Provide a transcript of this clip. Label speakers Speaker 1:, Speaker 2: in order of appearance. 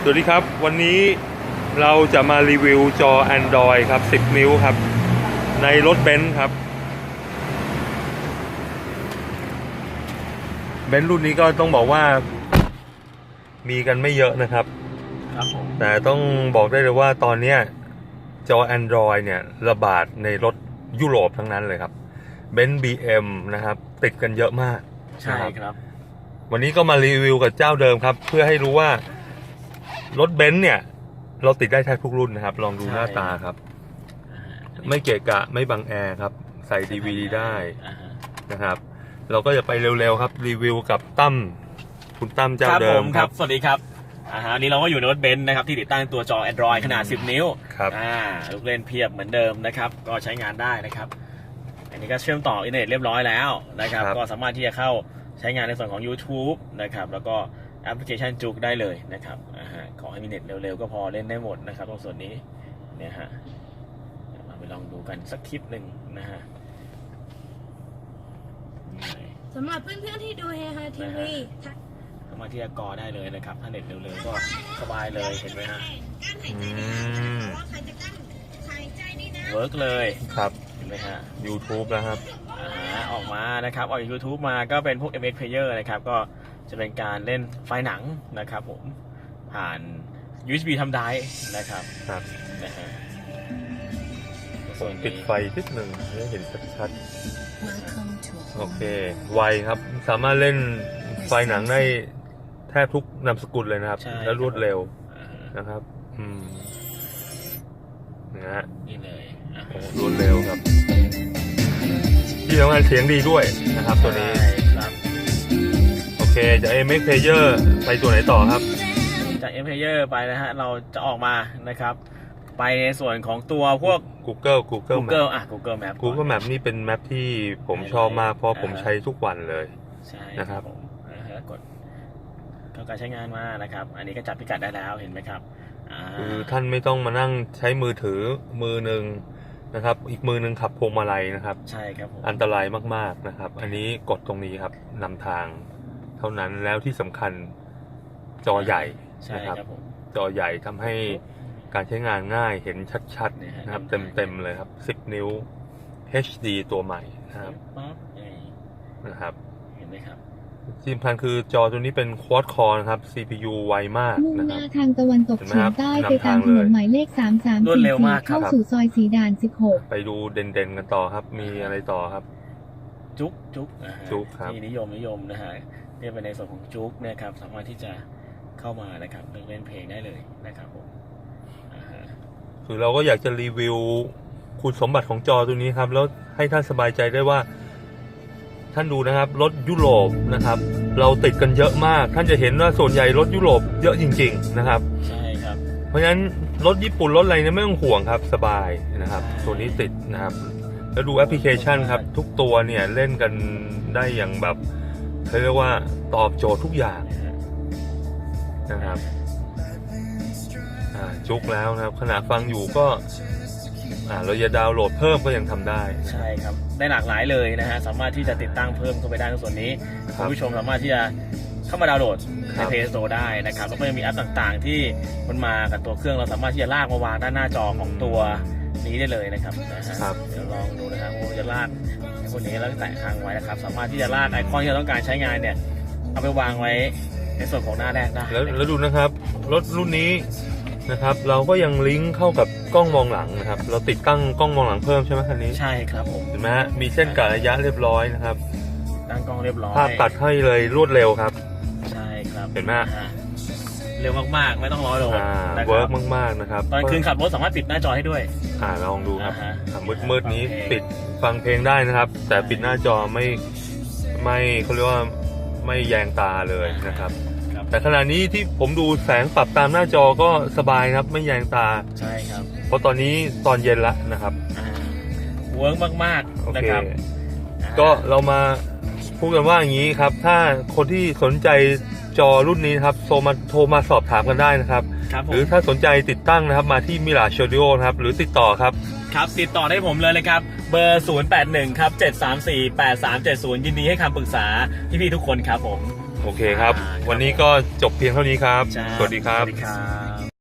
Speaker 1: วัสดีครับวันนี้เราจะมารีวิวจอ Android ครับ10 นิ้วครับในรถเบนซ์ครับเบนซ์รุ่นนี้ก็ต้องบอกว่ามีกันไม่เยอะนะครับแต่ต้องบอกได้เลยว่าตอนนี้จอ Android เนี่ยระบาดในรถยุโรปทั้งนั้นเลยครับเบนซ์ BM นะครับติดกันเยอะมาก
Speaker 2: ใช่ครับ
Speaker 1: วันนี้ก็มารีวิวกับเจ้าเดิมครับเพื่อให้รู้ว่ารถเบนซ์เนี่ยเราติดได้แทบทุกรุ่นนะครับลองดูหน้าตาครับไม่เกะกะไม่บังแอร์ครับใส่ DVD ได้นะครับเราก็จะไปเร็วๆครับรีวิวกับตั้มคุณตั้มเจ้าเดิมครับ
Speaker 2: สวัสดีครับอันนี้เราก็อยู่ในรถเบนซ์นะครับที่ติดตั้งตัวจอ Android ขนาด10 นิ้ว
Speaker 1: ครับ
Speaker 2: ลูกเล่นเพียบเหมือนเดิมนะครับก็ใช้งานได้นะครับอันนี้ก็เชื่อมต่ออินเทอร์เน็ตเรียบร้อยแล้วนะครับก็สามารถที่จะเข้าใช้งานในส่วนของ YouTube นะครับแล้วก็แอปพลิเคชันจุกได้เลยนะครับขอให้มีเน็ตเร็วๆก็พอเล่นได้หมดนะครับตรงส่วนนี้เนี่ยฮะเราไปลองดูกันสักคลิปหนึ่งนะฮะ
Speaker 3: สำหรับเพื่อนๆที่ดูเฮฮาทีวี
Speaker 2: สามารถที่จะกอได้เลยนะครับถ้าเน็ตเร็วๆก็สบายเลยเห็นไหมฮะเวิร์กเลย
Speaker 1: ครับ
Speaker 2: เห็นไหมฮะ
Speaker 1: YouTube นะครับ
Speaker 2: ออกมานะครับออกจาก YouTube มาก็เป็นพวก MX Player นะครับก็จะเป็นการเล่นไฟล์หนังนะครับผมผ่าน USB ทำได้นะครับนะฮะ
Speaker 1: ส่วนปิดไฟนิดหนึ่งให้เห็นชัดๆโอเคไวครับสามารถเล่นไฟล์หนังได้แทบทุกนามสกุลเลยนะครับและรวดเร็วนะครับนะฮะ
Speaker 2: นี่เลย
Speaker 1: รวดเร็วครับที่สำคัญเสียงดีด้วยนะครับตัวนี้โอเคจาก MX Player ไปตัวไหนต่อครับ
Speaker 2: จาก MX Player ไปนะฮะเราจะออกมานะครับไปในส่วนของตัวพวก
Speaker 1: Google
Speaker 2: Google
Speaker 1: Map นี่เป็นแมปที่ผมชอบมากเพราะผมใช้ทุกวันเลย
Speaker 2: ใช่
Speaker 1: นะครับ
Speaker 2: กดเข้าการใช้งานมานะครับอันนี้ก็จับพิกัดได้แล้วเห็นไหมครับ
Speaker 1: คือท่านไม่ต้องมานั่งใช้มือถือมือหนึ่งนะครับอีกมือหนึ่งขับพวงมาลัยนะครับ
Speaker 2: ใช่ครับ
Speaker 1: อันตรายมากๆนะครับอันนี้กดตรงนี้ครับนำทางเท่านั้นแล้วที่สำคัญจอใหญ่นะครับจอใหญ่ทำให้การใช้งานง่ายเห็นชัดๆนะครับเต็มเลยครับ10 นิ้ว HD ตัวใหม่นะครับ
Speaker 2: เห็นไหมครับ
Speaker 1: ที่สำคัญคือจอตัวนี้เป็น Quad Core นะครับ CPU ไวมาก
Speaker 3: มุ่งหน้าทางตะวันตกเฉียงใต้ไปตามถนนหมายเลข334เข้าสู่ซอยสีด่าน16
Speaker 1: ไปดูเด่นๆกันต่อครับมีอะไรต่อครับ
Speaker 2: จุก
Speaker 1: ครับ
Speaker 2: ที่นิยมนะฮะเรียกไปในส่วนของจุกนะครับสามารถที่จะเข้ามานะครับเล่นเพลงได้เลยนะครับผม
Speaker 1: คือเราก็อยากจะรีวิวคุณสมบัติของจอตัวนี้ครับแล้วให้ท่านสบายใจได้ว่าท่านดูนะครับรถยุโรปนะครับเราติดกันเยอะมากท่านจะเห็นว่าส่วนใหญ่รถยุโรปเยอะจริงๆนะครับ
Speaker 2: ใช่ครับ
Speaker 1: เพราะฉะนั้นรถญี่ปุ่นรถอะไรเนี่ยไม่ต้องห่วงครับสบายนะครับตัวนี้ติดนะครับแล้วดูแอปพลิเคชันครับทุกตัวเนี่ยเล่นกันได้อย่างแบบเขาเรียกว่าตอบโจทย์ทุกอย่างนะครับจุกแล้วนะครับขณะฟังอยู่ก็เราจะดาวน์โหลดเพิ่มก็ยังทำได้
Speaker 2: ใช่ครับได้หลากหลายเลยนะฮะสามารถที่จะติดตั้งเพิ่มเข้าไปได้ในส่วนนี้คุณผู้ชมสามารถที่จะเข้ามาดาวน์โหลดใน Play Store ได้นะครับแล้วก็ยังมีแอปต่างๆที่มันมากับตัวเครื่องเราสามารถที่จะลากมาวางด้านหน้าจอของตัวนี้ได้เลยนะครับเดี๋ยวลองดูนะครับผมจะลากพวกนี้แล้วแตะค้างไว้นะครับสามารถที่จะลากไอคอนที่เราต้องการใช้งานเนี่ยเอาไปวางไว้ในส่วนของหน้าแรกได้
Speaker 1: แล้วดูนะครับรถรุ่นนี้นะครับเราก็ยังลิงก์เข้ากับกล้องมองหลังนะครับเราติดตั้งกล้องมองหลังเพิ่มใช่ไหมคันนี้
Speaker 2: ใช่ครับผม
Speaker 1: เห็นไหมฮะมีเส้นกะระยะเรียบร้อยนะครับ
Speaker 2: ตั้งกล้องเรียบร้อย
Speaker 1: ภาพตัดให้เลยรวดเร็วครับ
Speaker 2: ใช่ครับ
Speaker 1: เห็นไหม
Speaker 2: เร็วมากๆไม่ต้องรอโหลด
Speaker 1: เวิร์กมากๆนะครับ
Speaker 2: ตอนคืนขับรถสามารถปิดหน้าจอให้ด้วย
Speaker 1: ลองดูครับมืดนี้ปิดฟังเพลงได้นะครับแต่ปิดหน้าจอไม่เขาเรียกว่าไม่แยงตาเลยนะครับแต่ขณะนี้ที่ผมดูแสงปรับตามหน้าจอก็สบายครับไม่แยงตา
Speaker 2: ใช่ครับ
Speaker 1: เพราะตอนนี้ตอนเย็นละนะครับ
Speaker 2: เวิร์กมากๆนะครับ
Speaker 1: ก็เรามาพูดกันว่าอย่างนี้ครับถ้าคนที่สนใจจอรุ่นนี้ครับโทรมาสอบถามกันได้นะครับหรือถ้าสนใจติดตั้งนะครับมาที่มิราสตูดิโอนะครับหรือติดต่อครับ
Speaker 2: ติดต่อได้ผมเลยครับเบอร์081ครับ7348370ยินดีให้คำปรึกษาพี่ๆทุกคนครับผม
Speaker 1: โอเคครับ วันนี้ก็จบเพียงเท่านี้ครับ
Speaker 2: ใช่
Speaker 1: สวัสดีครับ
Speaker 2: สวัสดีครับ